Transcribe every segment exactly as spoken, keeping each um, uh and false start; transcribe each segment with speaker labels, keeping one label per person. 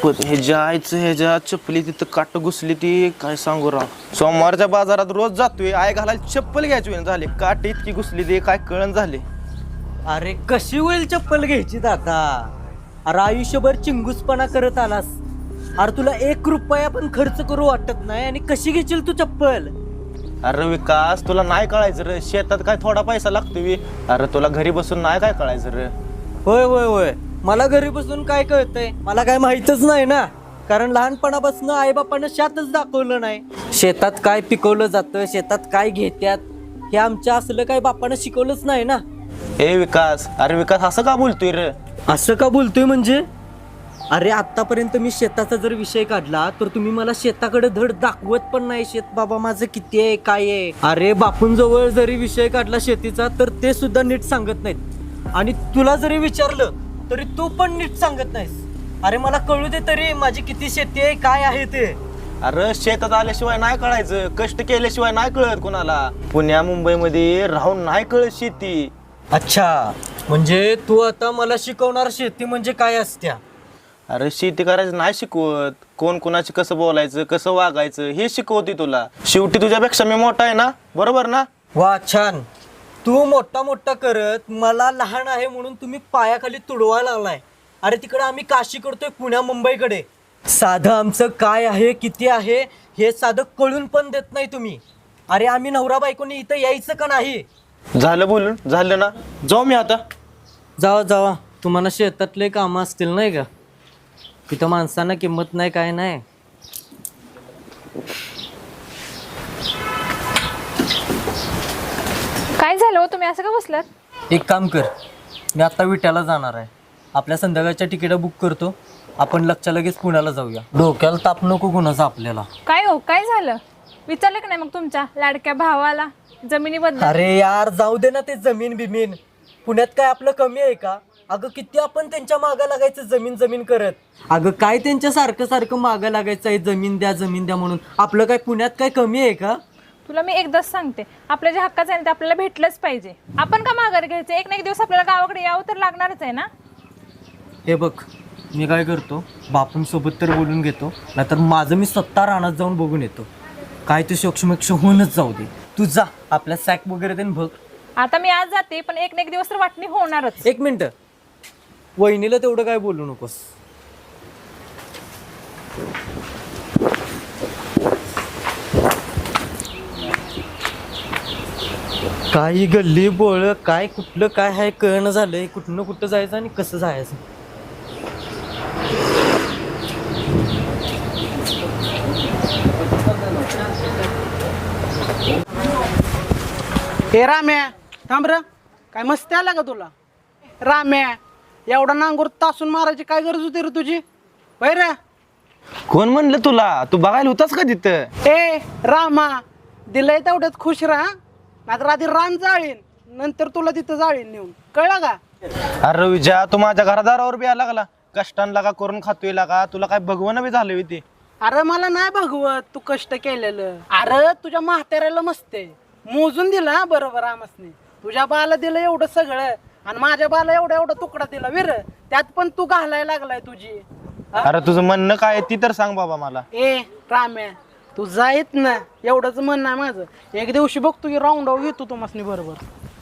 Speaker 1: शपथ हे जायचं ह्याच्या चप्पली तिथं काट घुसली ती काय सांगू राव. सोमवारच्या बाजारात रोज जातोय आय घालायला चप्पल घ्यायची वेळ झाली काट इतकी घुसली ती काय कळण झाले.
Speaker 2: अरे कशी होईल चप्पल घ्यायची दादा. अरे आयुष्यभर चिंगूसपणा करत आलास. अरे तुला एक रुपया पण खर्च करू वाटत नाही आणि कशी घेशील तू चप्पल.
Speaker 1: अरे विकास तुला नाही कळायचं रे शेतात काय थोडा पैसा लागतोय. अरे तुला घरी बसून नाही काय कळायचं रे.
Speaker 2: होय होय होय मला घरी बसून काय कळतंय. मला काय माहितच नाही ना. कारण लहानपणापासून आईबापानं शेतच दाखवलं नाही. शेतात काय पिकवलं जातं शेतात काय घेत्यात हे आमच्या असलं काय बापानं शिकवलंच नाही ना.
Speaker 1: ए विकास अरे विकास असं का बोलतोय रे.
Speaker 2: असं का बोलतोय म्हणजे. अरे आतापर्यंत मी शेताचा जर विषय काढला तर तुम्ही मला शेताकडे धड दाखवत पण नाही. शेत बाबा माझं किती आहे काय आहे. अरे बापूंजवळ जरी विषय काढला शेतीचा तर ते सुद्धा नीट सांगत नाहीत. आणि तुला जरी विचारलं तरी तू पण नीट सांगत नाहीस. अरे मला कळू दे तरी माझी किती शेती आहे काय आहे ते.
Speaker 1: अरे शेतात आल्याशिवाय नाही कळायचं कष्ट केल्याशिवाय नाही कळत कोणाला. पुण्या मुंबईमध्ये राहून नाही कळत शेती.
Speaker 2: अच्छा म्हणजे तू आता मला शिकवणार शेती म्हणजे काय असत्या.
Speaker 1: अरे शेती करायचं नाही शिकवत. कोण कोणाशी कसं बोलायचं कसं वागायचं हे शिकवते तुला. शेवटी तुझ्यापेक्षा मी मोठा आहे ना बरोबर ना.
Speaker 2: वा छान. तू मोठा मोठा करत मला लहान आहे म्हणून तुम्ही पायाखाली तुडवायला लागलाय. अरे तिकडे आम्ही काशी करतोय पुण्या मुंबईकडे. साधं आमचं काय आहे किती आहे हे साधं कळून पण देत नाही तुम्ही. अरे आम्ही नवरा बायकोनी इथं यायचं का नाही.
Speaker 1: झालं बोलून झालं ना जाऊ मी आता.
Speaker 2: जावा जावा तुम्हाला शेतातले कामं असतील नाही का. तिथं माणसांना किंमत नाही काय नाही.
Speaker 3: काय झालं हो तुम्ही असं का बसलात.
Speaker 2: एक काम कर मी आता विट्याला जाणार आहे. आपल्या संध्याकाळच्या तिकीट बुक करतो. आपण लगच्या लगेच पुण्याला जाऊया. डोक्याला ताप नको कुणाचा आपल्याला.
Speaker 3: काय हो काय झालं विचारलं का नाही मग तुमच्या लाडक्या भावाला जमिनीबद्दल.
Speaker 2: अरे यार जाऊ दे ना ते जमीन बिमीन. पुण्यात काय आपलं कमी आहे का. अगं किती आपण त्यांच्या मागं लागायचं जमीन जमीन करत. अगं काय त्यांच्या सारखं सारखं मागं लागायचं आहे जमीन द्या जमीन द्या म्हणून. आपलं काय पुण्यात काय कमी आहे का.
Speaker 3: तुला मी एकदाच सांगते आपल्या जे हक्काचं आहे ना ते आपल्याला भेटलंच पाहिजे. आपण का माघार घ्यायचं. एक ना एक दिवस आपल्याला गावाकडे यावं तर लागणारच आहे ना.
Speaker 2: हे बघ मी काय करतो बापूंसोबत तर बोलून घेतो नाहीतर माझं मी स्वतः रानात जाऊन बघून येतो. काय तू सोक्षमेक्ष होऊनच जाऊ दे. तू जा आपल्या सॅक वगैरे ते बघ.
Speaker 3: आता मी आज जाते पण एक ना एक दिवस तर वाटणी होणारच.
Speaker 2: एक मिनिट वहिनीला तेवढं काय बोलू नकोस. काही गल्ली बोळ काय कुठलं काय आहे कळणं झालंय. कुठनं कुठं जायचं आणि कसं जायचं.
Speaker 4: हे राम्या थांब र. काय मस्ती आला का तुला. राम्या एवढा नांगूर तासून मारायची काय गरज होती रे तुझी. होय रे.
Speaker 1: कोण म्हणलं तुला तू बघायला होतास का तिथं.
Speaker 4: ए रामा दिलंय तेवढ्यात खुश राहा नाहीतर आधी रान जाळीन नंतर तुला तिथं जाळीन नेऊन कळलं का.
Speaker 1: अरे विजया तू माझ्या घरादारावर बी आला लागला कष्टांना का करून खातोय लागा. तुला काय भगवण बी झालं ते.
Speaker 4: अरे मला नाही भगवत तू कष्ट केलेलं. अरे तुझ्या म्हाताऱ्याला मस्ते मोजून दिला बरोबर आमसने. तुझ्या बाला दिलं एवढं सगळं आणि माझ्या बाला एवढा एवढा तुकडा दिला विर. त्यात पण तू घालायला लागलाय तुझी.
Speaker 1: अरे तुझं म्हणणं काय ती तर सांग बाबा मला.
Speaker 4: ए राम्या तू जायत ना एवढंच म्हणणं आहे माझं. एक दिवशी बघतो की राऊंड आऊट घेतो तुम्हाला बरोबर.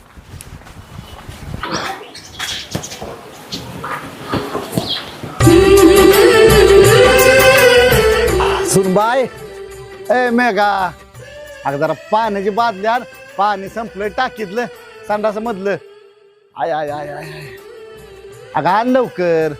Speaker 5: सुनबाई ए मेघा अगं जरा पाण्याची बादली आण. पाणी संपलं टाकीतलं संडास मधलं. आय आय आय आय अगं आण लवकर.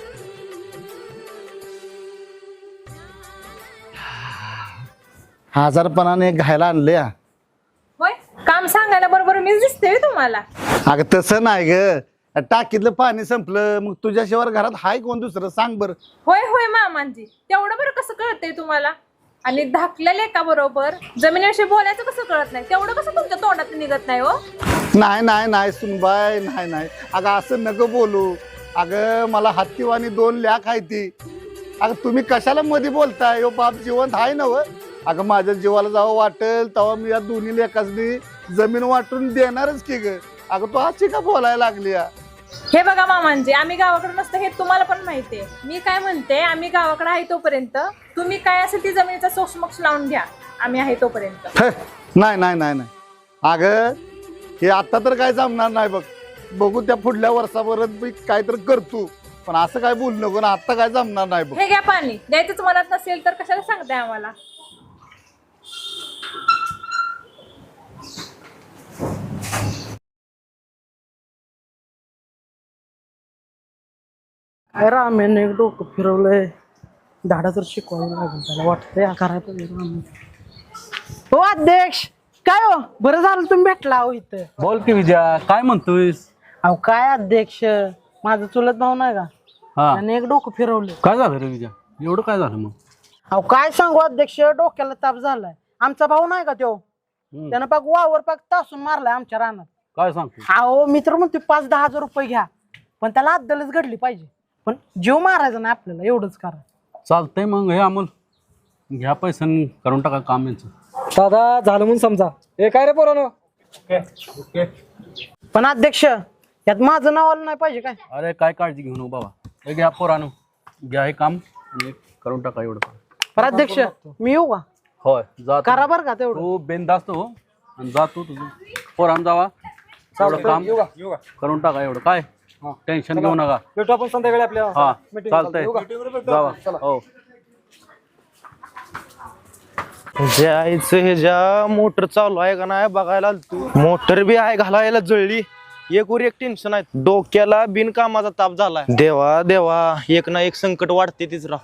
Speaker 5: हजारपणाने घायला आणले.
Speaker 3: होय काम सांगायला बरोबर मीच दिसते तुम्हाला.
Speaker 5: अगं तसं नाही ग. टाकीतलं पाणी संपलं मग तुझ्याशिवाय घरात हाय कोण दुसरं सांग बर.
Speaker 3: होय होय मामांजी तेवढं बरं कसं कळतंय तुम्हाला. आणि धाकलेले का बरोबर जमिनीविषयी बोलायचं कसं कळत नाही. तेवढं कसं तुमच्या तोंडात निघत नाही हो.
Speaker 5: नाही नाही नाही सुनबाई नाही नाही अगं असं नको बोलू. अगं मला हत्तीवाणी दोन लॅक आहे ती. अगं तुम्ही कशाला मध्ये बोलताय. हो बाप जिवंत आहे ना व. अगं माझ्या जीवाला जेव्हा वाटेल तेव्हा मी या दोन्ही लेकासनी जमीन वाटून देणारच की ग. अगं तू अशी का बोलायला लागली.
Speaker 3: हे बघा मामांजी, आम्ही गावाकडे नसतं हे तुम्हाला पण माहिती आहे. मी काय म्हणते, आम्ही गावाकडे आहे तोपर्यंत तुम्ही काय असेल ती जमिनीचा सोक्षमोक्ष लावून घ्या. आम्ही आहे तोपर्यंत.
Speaker 5: हे, नाही नाही नाही नाही अगं हे आता तर काय जमणार नाही बघ. बघू त्या पुढल्या वर्षापर्यंत मी काहीतरी करतो, पण असं काय बोलू नको ना. आता काय जमणार नाही बघ.
Speaker 3: हे घ्या पाणी. द्यायचंच मनात नसेल तर कशाला सांगताय आम्हाला.
Speaker 4: काय रामेन एक डोकं फिरवलंय. धाडा तर शिकवायला लागेल त्याला. वाटतंय करायला पाहिजे रामेन. हो अध्यक्ष, काय हो बरं झालं तुम्ही भेटला अहो इथं.
Speaker 6: बोल की विजया, काय म्हणतोयस?
Speaker 4: अहो काय अध्यक्ष, माझं चुलत भाऊ नाही का,
Speaker 6: हा,
Speaker 4: त्याने एक डोकं फिरवलं.
Speaker 6: काय झालं रे विजया? एवढं काय झालं मग?
Speaker 4: अहो काय सांगू अध्यक्ष, डोक्याला ताप झालाय. आमचा भाऊ नाही का तो,
Speaker 6: हम्म,
Speaker 4: त्यानं पाक वावर पाक तासून मारलाय आमच्या रानात.
Speaker 6: काय सांगतो?
Speaker 4: अहो मी तर म्हणतो पाच दहा हजार रुपये घ्या, पण त्याला अद्दलच घडली पाहिजे. पण जीव मारायचा नाही आपल्याला, एवढंच करा.
Speaker 6: चालतंय मग. हे अमोल घ्या पैसे आणि करून टाका काम यांचं.
Speaker 2: दादा झालं म्हणून समजा. हे काय रे पोरानो?
Speaker 4: पण अध्यक्ष यात माझं नाव आलं नाही पाहिजे काय?
Speaker 6: अरे काय काळजी घेऊ नको बाबा. हे घ्या पोरानो, घ्या हे काम आणि करून टाका एवढं काम.
Speaker 4: पण अध्यक्ष मी येऊ का?
Speaker 6: होय जा.
Speaker 4: करा बरं का तेवढं.
Speaker 6: तू बेंदास्त हो आणि जा तू तुझं पोरान जावा. एवढं काम करून टाका एवढं. काय टेन्शन घेऊ नका.
Speaker 2: भेटू आपण संध्याकाळी आपल्या.
Speaker 6: हा चालतंय, जावा. हो
Speaker 1: जायचं हे ज्या मोटर चालू आहे का नाही बघायला तू. मोटर बी आहे घालायला जळली. एक वर एक टेन्शन आहे. डोक्याला बिनकामाचा ताप झालाय. देवा देवा, एक ना एक संकट वाढते तीच राव.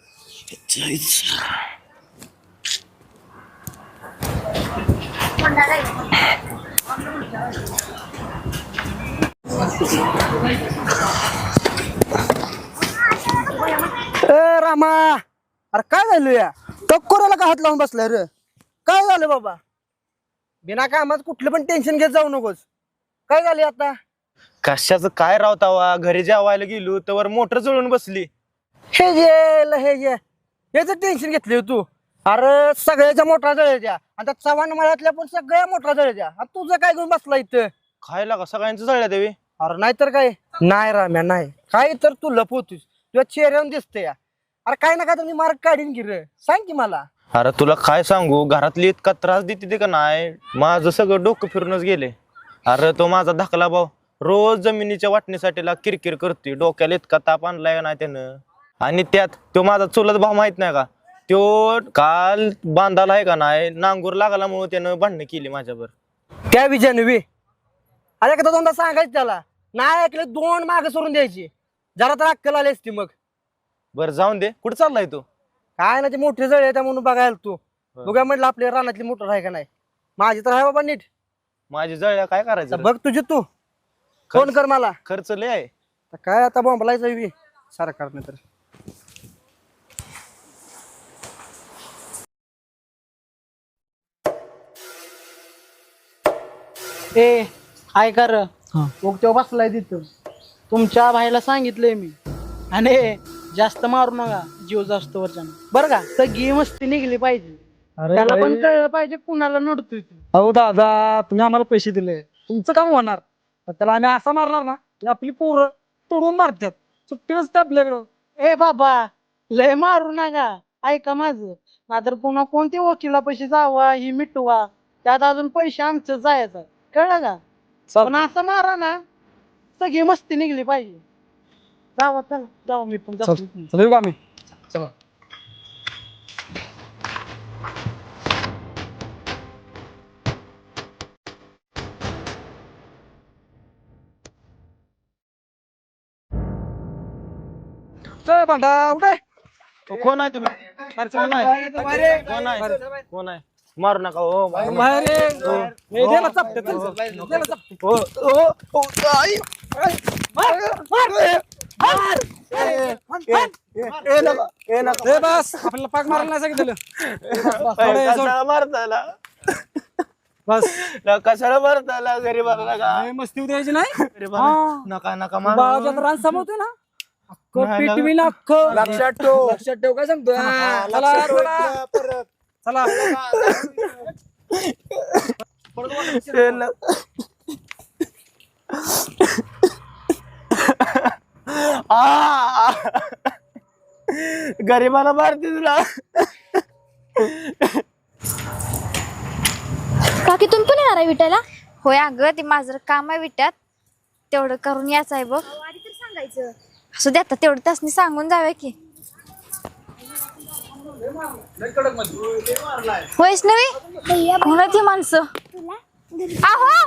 Speaker 2: ए रामा, अरे काय झालं या? टक्कोराला का हात लावून बसलाय रे? काय झालं बाबा? बिना कामात कुठलं पण टेन्शन घेत जाऊ नकोस. काय झाले आता?
Speaker 1: कशाचं काय रावतावा, घरी जेवायला गेलो तर मोटर जळून बसली.
Speaker 2: हे जे हे जे हेच टेन्शन घेतले तू. अरे सगळ्याच्या मोठ्या जळायच्या आणि त्या चव्हाण मळ्यातल्या पण सगळ्या मोठ्या जळायच्या. आणि तुझं काय घेऊन बसला इथं?
Speaker 1: खायला का सगळ्यांचं जळल्या देवी.
Speaker 2: अरे नाहीतर काय. नाही राम्या नाही काय तर तू लपवतोस. तुझ्या चेहऱ्यावर दिसतंय या. अरे काय ना काय तर मी मार्ग काढीन की रे. सांग की मला.
Speaker 1: अरे तुला काय सांगू, घरातली इतका त्रास देते ते का नाही, माझं सगळं डोकं फिरूनच गेले. अरे तो माझा धाकला भाऊ रोज जमिनीच्या वाटणीसाठी ला किरकिर करतोय. डोक्याला इतका ताप आणलाय ना त्यानं. आणि त्यात तो माझा चुलत भाऊ माहित नाही का, तो काल बांधाला आहे का नाही, नांगूर लागल्यामुळे त्यानं भांडणं केली माझ्यावर.
Speaker 2: त्या विजयाने वे अरे एकदा दोनदा सांगायचं त्याला. नाही ऐकले दोन मागे सोडून द्यायची. जरा तर अक्कल आली असती मग.
Speaker 1: बरं जाऊन दे, कुठं चाललाय तू?
Speaker 2: काय ना ते मोठे जळ आहे त्या म्हणून बघायला तू. बघा म्हटलं आपल्या रानातली मोटर आहे का नाही. माझी तर आहे बाबा नीट.
Speaker 1: माझी जळल्या काय
Speaker 2: तर
Speaker 1: करायचं?
Speaker 2: बघ तुझी तू फोन कर मला.
Speaker 1: खर्च लय आहे.
Speaker 2: तर काय आता बोंबलायचं बी सरकारने तर.
Speaker 4: ए काय कर मग तो बसलाय तिथं. तुमच्या भाईला सांगितलंय मी, आणि जास्त मारू नका जीव जास्त वरच्या बरं का. सगळी मस्ती निघली पाहिजे. त्याला पण कळलं पाहिजे कुणाला नडतोय तू.
Speaker 2: अहो दादा, तुम्ही आम्हाला पैसे दिले, तुमचं काम होणार. पण त्याला आम्ही असा मारणार ना की आपली पोरं तोडून मारतात. सुट्टी नसते आपल्याकडं.
Speaker 4: ए बाबा लय मारू नका, ऐका माझं. नाहीतर पुन्हा कोणती वकिला पैसे जावा ही मिटवा, त्यात अजून पैसे आमचं जायचं. कळलं का? पण असं मारा ना सगळी मस्ती निघली पाहिजे. जावा चला जावा, मी पण जातो.
Speaker 2: चल आम्ही. चला. भांडा उठे.
Speaker 1: कोण आहे तुम्ही? कोण आहे? कोण आहे? कोण आहे? मारू नका हो. मारू नका.
Speaker 2: बाहेर ये. हे दे ना चपटे, चल, चल. दे ना चपटे.
Speaker 1: हो, हो, हो, आई.
Speaker 2: मार, मार, मार. ए,
Speaker 1: ए, नका, ए, नका.
Speaker 2: ए, बस आपल्याला पाक मारायला नाही सांगितलं.
Speaker 1: ए, कशाला मारताला?
Speaker 2: बस
Speaker 1: न कशाला मारताला? गरीबाला नका.
Speaker 2: ए, मस्ती द्यायची नाही.
Speaker 1: गरीबाला नका नका मारू.
Speaker 2: बाळाच्यात रान सांभाळतोय ना. अख्खं
Speaker 1: नाही,
Speaker 2: पिटवी ना अख्खं. लक्षात ठेव. लक्षात ठेव काय सांगतो. चला चला चला.
Speaker 1: ए, न- आ! गरीबाला मारते तुला.
Speaker 7: काकी तुम्ही पण येणार आहे विटायला? होय अगं ते माझं काम आहे विट्यात, तेवढं करून यायचं आहे बघ. आधी तर सांगायचं. असू दे आता तेवढं तासनी सांगून जाऊया की. वैष्णवी कोण ती माणसं? आहो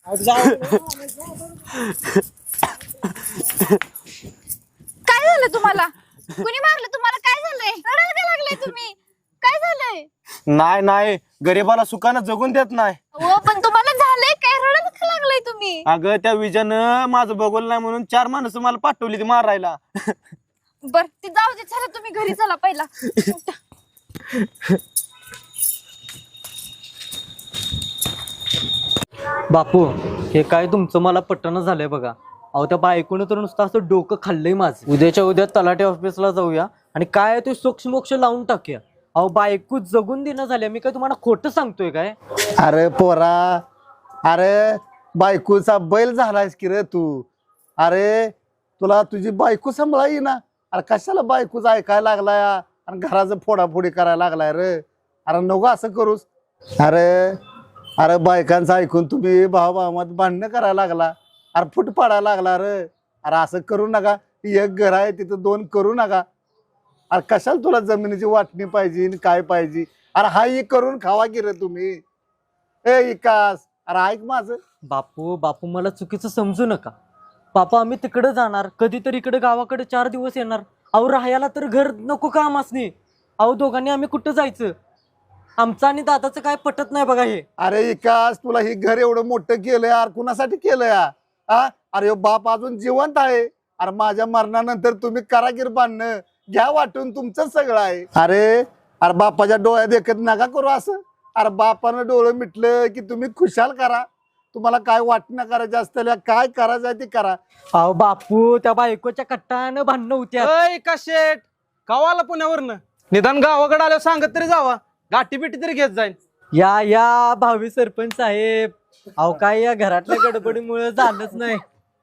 Speaker 7: काय झालं तुम्हाला? कुणी मारलं तुम्हाला? काय झालंय? रडायला का लागलाय तुम्ही? काय झालंय?
Speaker 1: नाही नाही, गरीबाला सुखानं जगून देत नाही.
Speaker 7: हो पण तुम्हाला झालंय काय? रडायला का लागलाय तुम्ही?
Speaker 1: अगं त्या विजयानं माझं बघवलं नाही म्हणून चार माणसं मला पाठवली ती मारायला.
Speaker 7: बर ती जाऊ दे, चला तुम्ही घरी चला पहिला.
Speaker 2: बापू हे काय तुमचं मला पटणं झालंय बघा. अहो त्या बायकोनं तर नुसतं असं डोकं खाल्लंय माझं. उद्याच्या उद्या तलाठी ऑफिसला जाऊया आणि काय ते सोक्ष मोक्ष लावून टाकूया. अहो बायको जगून देणं झाल्या. मी काय तुम्हाला खोटं सांगतोय काय?
Speaker 5: अरे पोरा, अरे बायकोचा बैल झालायस की रे तू. अरे तुला तुझी बायको सांभाळा ना. अरे कशाला बायकोच ऐकायला लागलाय आणि घराचं फोडाफोडी करायला लागलाय रे. अरे नको असं करूस. अरे अरे बायकांचं ऐकून तुम्ही भाऊ भावात भांडणं करायला लागला. अरे फुट पाडायला लागला रे. अरे असं करू नका. एक घर आहे तिथं दोन करू नका. अरे कशाला तुला जमिनीची वाटणी पाहिजे आणि काय पाहिजे. अरे हा एक करून खावा की रे तुम्ही. ए विकास, अरे ऐक माझं.
Speaker 2: बापू बापू मला चुकीचं समजू नका. बापा आम्ही तिकडे जाणार, कधीतरी इकडे गावाकडे चार दिवस येणार. अहो राहायला तर घर नको का आमासनी? अहो दोघांनी आम्ही कुठं जायचं? आमचं आणि दादाचं काय पटत नाही बघा हे.
Speaker 5: अरे विकास, तुला हे घर एवढं मोठं केलंय यार, कुणासाठी केलंय हा? अरे ह्यो बाप अजून जिवंत आहे. अरे माझ्या मरणानंतर तुम्ही कारागीर बांधणं घ्या वाटून, तुमचं सगळं आहे. अरे अरे बापाच्या डोळ्या देखत नका करू असं. अरे बापानं डोळं मिटलं की तुम्ही खुशाल करा. तुम्हाला काय वाटणं करायचं असतं, काय करायचं आहे ते करा.
Speaker 2: अहो बापू त्या बायकोच्या कट्टानं भांडणं होत्या.
Speaker 8: अय का शेट गावाला पुण्यावरनं निदान गावाकडे आल्यावर सांगत तरी जावा, गाठी बिटी तरी घेत जाईन.
Speaker 2: या या भावी सरपंच साहेब, अहो काय या घरातल्या गडबडीमुळे झालंच नाही.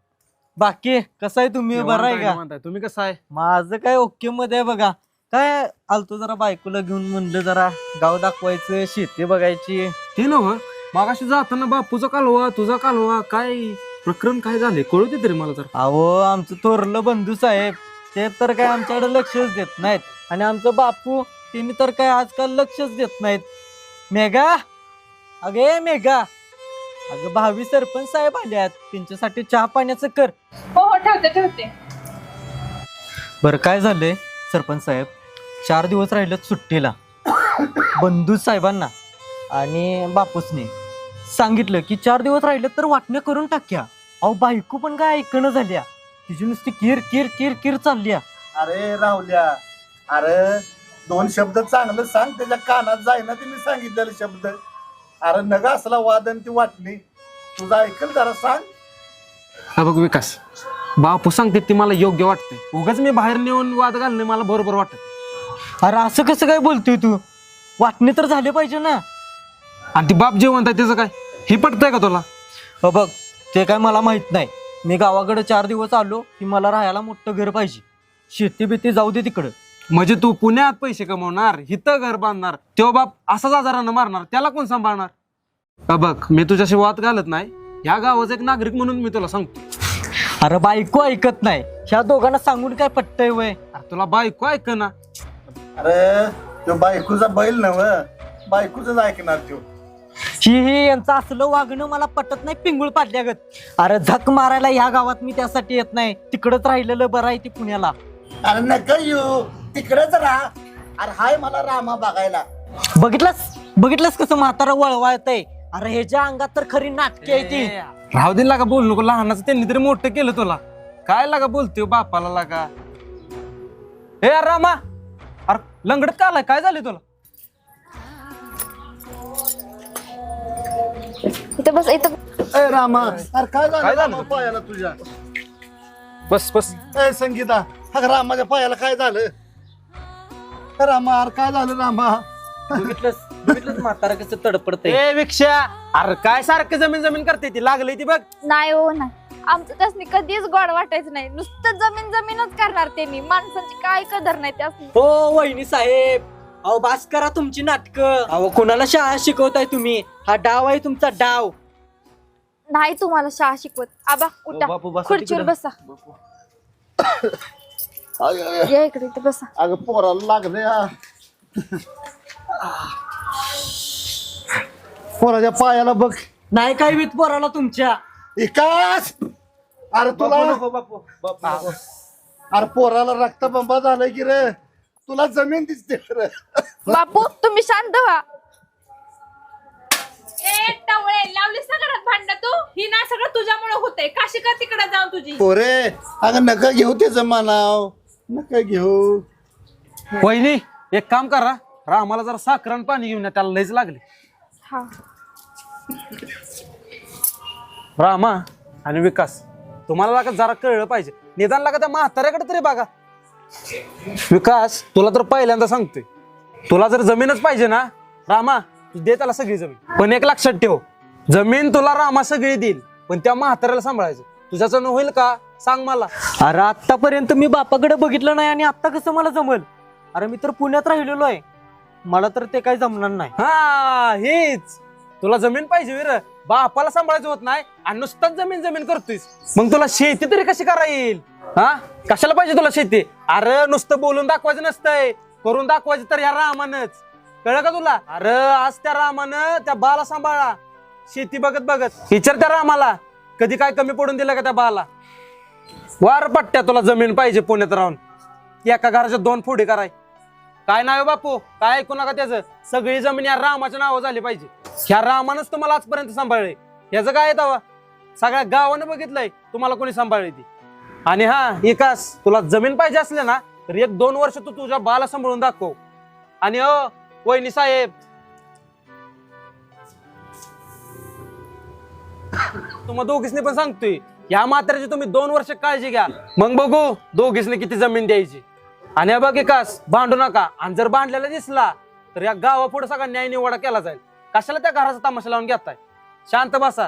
Speaker 2: बाकी कसं आहे तुम्ही? बरं आहे का?
Speaker 8: म्हणताय तुम्ही कसं आहे?
Speaker 2: माझं काय ओके मध्ये आहे बघा. काय आलतो जरा बायकोला घेऊन, म्हणलं जरा गाव दाखवायचं, शेती बघायची.
Speaker 8: ते नव्ह मागाशी जाताना बापूचा कालवा तुझा कालवा काय प्रकरण काय झाले कळू दे तरी मला. तर
Speaker 2: अहो आमचं थोरलं बंधू साहेब ते तर काय आमच्याकडे लक्षच देत नाहीत, आणि आमचं बापू तिने तर काय आजकाल लक्षच देत नाहीत. मेघा, अगे मेघा, अगं भावी सरपंच साहेब आल्यात, त्यांच्यासाठी चहा पाण्याचं कर.
Speaker 3: हो हो ठेवते ठेवते.
Speaker 2: बरं काय झालंय सरपंच साहेब, चार दिवस राहिलेत सुट्टीला. बंधू साहेबांना आणि बापूसने सांगितलं की चार दिवस राहिले तर वाटणं करून टाक्या. अहो बायको पण काय ऐकणं झाल्या, तिची नुसती किर किर किर किर चालल्या.
Speaker 5: अरे राहुल्या, अरे दोन शब्द चांगलं सांग, त्याच्या कानात जाईना ते मी सांगितलेले शब्द. अरे नगा असला वाद आणि ती वाटणी तुझा ऐकल जरा सांग.
Speaker 8: हा बघ विकास, बापू सांगते ती मला योग्य वाटते. उगाच मी बाहेर नेऊन वाद घालणे मला बरोबर वाटत.
Speaker 2: अरे असं कसं काय बोलतोय तू? वाटणे तर झाले पाहिजे ना.
Speaker 8: आणि ती बाप जेवण आहे त्याचं काय हे पटतंय का तुला?
Speaker 2: हो बघ, ते काय मला माहित नाही. मी गावाकडे चार दिवस आलो की मला राहायला मोठं घर पाहिजे. शेती बिती जाऊ दे तिकडं.
Speaker 8: म्हणजे तू पुण्यात पैसे कमवणार, हिथं घर बांधणार, तो बाप असाच आजारानं मारणार, त्याला कोण सांभाळणार? का बघ, मी तुझ्याशी वाद घालत नाही. या गावाचा एक नागरिक म्हणून मी तुला सांगतो.
Speaker 2: अरे बायको ऐकत नाही. ह्या दोघांना सांगून काय पटतंय वय?
Speaker 8: अरे तुला बायको ऐक ना.
Speaker 5: अरे तो बायकोचा बैल नव, बायकोच ऐकणार तो.
Speaker 2: ही ही यांचं असलं वागणं मला पटत नाही. पिंगुळ पाडल्यागत. अरे झक मारायला ह्या गावात मी त्यासाठी येत नाही. तिकडच राहिलेलं बरं आहे ती पुण्याला.
Speaker 5: अरे नका येऊ, तिकडेच राहा. अरे हाय मला रामा बघायला.
Speaker 2: बघितलंस बघितलंस कसं म्हातारा वळवाळतय. अरे ह्याच्या अंगात तर खरी नाटकी आहे ती.
Speaker 8: राहू दे लागा, बोलू नको. लहानाचं त्यांनी तरी मोठं केलं तुला. काय लागा बोलतोय बापाला लागा. हे अरे रामा, अरे लंगडत का आलाय? काय झालं तुला?
Speaker 7: इथं बस इथं.
Speaker 5: ए रामा, अरे काय झालं
Speaker 8: काय झालं?
Speaker 5: रामा पायाला तुझ्या?
Speaker 8: बस बस.
Speaker 5: ए संगीता, अगं रामाच्या पायाला काय झालं? ए रामा, अरे काय झालं रामा?
Speaker 2: बघितलंस बघितलंस म्हातारा कसं तडपडतय.
Speaker 8: ए विक्षा, अरे काय सारखं जमीन जमीन करते ती लागलंय ती बघ.
Speaker 7: नाही हो नाही. आमचं त्यासनी कधीच गोड वाटायचं नाही, नुसतं जमीन जमीनच करणार त्यांनी, माणसाची काय कदर नाही त्यासनी.
Speaker 2: हो वहिनी साहेब, अहो बास करा तुमची नाटकं. अहो कोणाला शाळा शिकवताय तुम्ही? हा डाव आहे तुमचा डाव.
Speaker 7: नाही तुम्हाला शाळा शिकवत. आबा उठा,
Speaker 1: बापू, बसा
Speaker 7: खुर्चीवर
Speaker 1: तिकडं.
Speaker 7: बसा. या इकडे इथे बसा.
Speaker 5: अगं पोराला लागले हा. पोराच्या पायाला बघ.
Speaker 2: नाही काय वित पोराला तुमच्या.
Speaker 5: विकास, अरे तुला अरे पोराला रक्तबंबा झालाय की रे, तुला जमीन दिसते रे.
Speaker 7: बापू तुम्ही शांत व्हा.
Speaker 3: ए टवळे, लावलीस ना घरात भांडण तू? ही ना सगळं तुझ्यामुळे होतंय. काशी का तिकडे जाऊन तुझी?
Speaker 5: पोरे अगं नका घेऊ त्याचं मानाव, नका घेऊ.
Speaker 8: वहिनी एक काम करा, रामाला जरा साखर आणि पाणी घेऊन या, त्याला लयच लागले.
Speaker 7: हा
Speaker 8: रामा आणि विकास, तुम्हाला लागा जरा कळलं पाहिजे, निदान लागा त्या म्हाताऱ्याकडे तरी बघा. विकास तुला तर पहिल्यांदा सांगतोय, तुला जर जमीनच पाहिजे ना रामा, तू दे त्याला सगळी जमीन. पण एक लक्षात ठेव, जमीन तुला रामा सगळी देईल, पण त्या म्हाताऱ्याला सांभाळायचं. तुझ्याचं होईल का सांग मला.
Speaker 2: अरे आतापर्यंत मी बापाकडे बघितलं नाही आणि आता कसं मला जमल? अरे मी तर पुण्यात राहिलेलो आहे, मला तर ते काही जमणार नाही.
Speaker 8: हा हेच, तुला जमीन पाहिजे वीर, बापाला सांभाळायचं होत नाही आणि नुसताच जमीन जमीन करतोयस, मग तुला शेती तरी कशी करा येईल? हा कशाला पाहिजे तुला शेती? अरे नुसतं बोलून दाखवायचं नसतंय, करून दाखवायचं. तर या रामानच कळलं का तुला? अरे आज त्या रामानं त्या बाला सांभाळा, शेती बघत बघत. विचार त्या रामाला कधी काय कमी पडून दिलं का त्या बाला? वार पट्ट्या तुला जमीन पाहिजे पुण्यात राहून, एका घराच्या दोन फोडी कराय. काय नाव बापू, काय ऐकू नका त्याचं. सगळी जमीन या रामाच्या नावावर झाली पाहिजे. ह्या रामानच तुम्हाला आजपर्यंत सांभाळले, याचं काय दावा? सगळ्या गावानं बघितलंय तुम्हाला कोणी सांभाळली ती. आणि हा विकास, तुला जमीन पाहिजे असले ना तर एक दोन वर्ष तू तुझ्या बाला सांभाळून दाखव. आणि अ वहिनी साहेब, तुम्हा दोघीसनी पण सांगतोय, या म्हाताऱ्याची तुम्ही दोन वर्ष काळजी घ्या, मग बघू दोघीसनी किती जमीन द्यायची. आणि बघ विकास, भांडू नका, आणि जर भांडलेला दिसला तर या गावापुढे सगळा न्याय निवाडा केला जाईल. कशाला त्या घराचा तमाशा लावून घेताय? शांत बसा.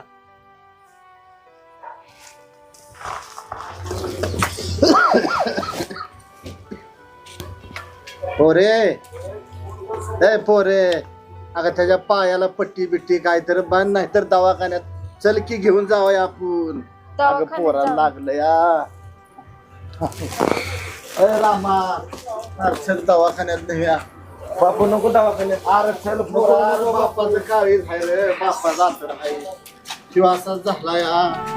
Speaker 5: पोरे ए पोरे, अगं त्याच्या पायाला पट्टी बिट्टी काहीतरी बांध, नाही तर दवाखान्यात चल की घेऊन जावं आपण. अगं पोराला लागलं या. अरे रामा, अरे चल दवाखान्यात नेऊया.
Speaker 1: बापू नको दवाखान्यात.
Speaker 5: अरे चल पोरा, बापाचं काळीज आहे रे, बापाचा आतर आहे, शिवासाच झाला या.